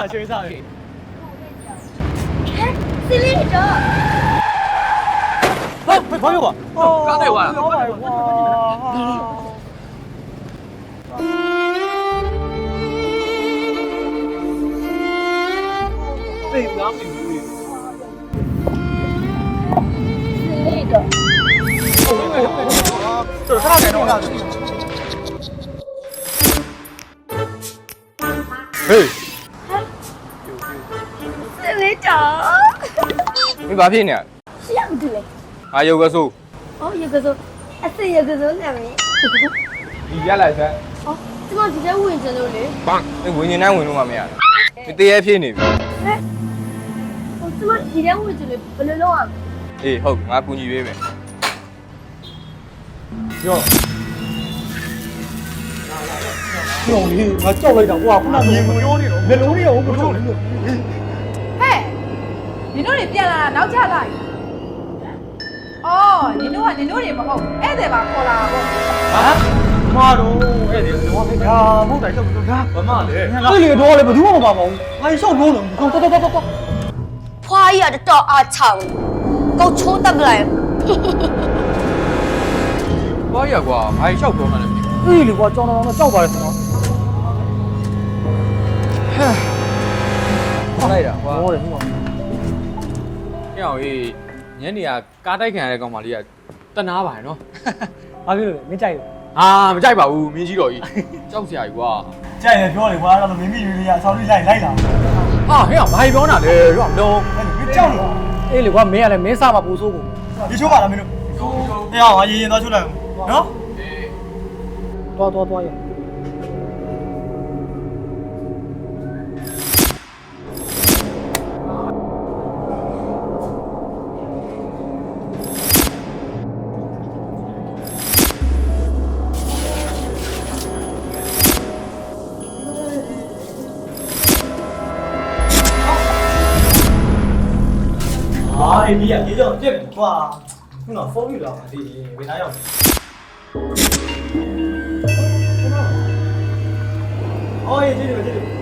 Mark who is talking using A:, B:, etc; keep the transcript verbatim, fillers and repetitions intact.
A: 学上去。
B: 哎，是那个。
A: 哎，朋友啊，
C: 刚才完了。
A: 老板哇！对，两米五。
B: 是那个。
A: 这是啥来着？嘿。
B: 是那个。
C: 你把屁呢？
B: 是样子嘞。
C: 啊，有个数。
B: 哦，有个说，啊是有个说哪位？
C: 你家来噻。
B: 哦，怎么直接问这了嘞？
C: 棒，你问你哪问路嘛没啊？你第一屁呢？
B: 哎，我怎么直接问这了？不能弄啊？
C: 诶，好，我估你约呗。
A: 哟。 兄弟，我叫了一张，哇，不那面目有的了，面容的我不抽了。
D: 嘿，你တို့တွေပြန်လာတာနောက်ကျလာပြီ။အော်နင်တို့ကနင်တို့တွေမဟုတ်ဧည့်သည်ပါခေါ်လာတာပေါ့
A: 啊？妈的，哎，这我没看，我在这不看，干嘛嘞？这里多了，不多嘛嘛，俺小多了，走走走走走。
B: ဖွားရတော့အားချောင်းကိုချိုးတက်ပလိုက်
C: ဘာရကွာဘာလျှောက်ပြောမှလည်းမသိ
A: 哎，你我找到那找过来什么？
C: ဘူးလိုက်တာကွာ
A: 我的妈！
C: ပြောင်းရေးညနေကကားတိုက်ခံရတဲ့ကောင်မလေးကတနာပါတယ်နော်
A: ဘာဖြစ်လို့လဲမင်းကြိုက်လို့
C: ဟာမကြိုက်ပါဘူးမင်းကြီးတော်ကြီးကြောက်စရာကြီးကွာ
A: ကြိုက်တယ်ပြောတယ်ကွာအဲ့တော့မင်းမိရွေးလေးရအဆောင်လေးလိုက်လိုက်လာ
C: ဟာဟဲ့ဘာပြောတာလဲရောမလုံး
A: အဲ့မင်းကြောက်လို့အေးလေကွာမင်းကလည်းမင်းစားမှာပူဆိုးကုန်ဒီချိုးပါလားမင်းတို့အေးဟာရေးရင်သွားချိုးလိုက်နော်တော်တော်တော်ရ啊，哎，你呀，你这这不哇，你那风雨了，弟弟，为啥要？哦，哎，这里，这里。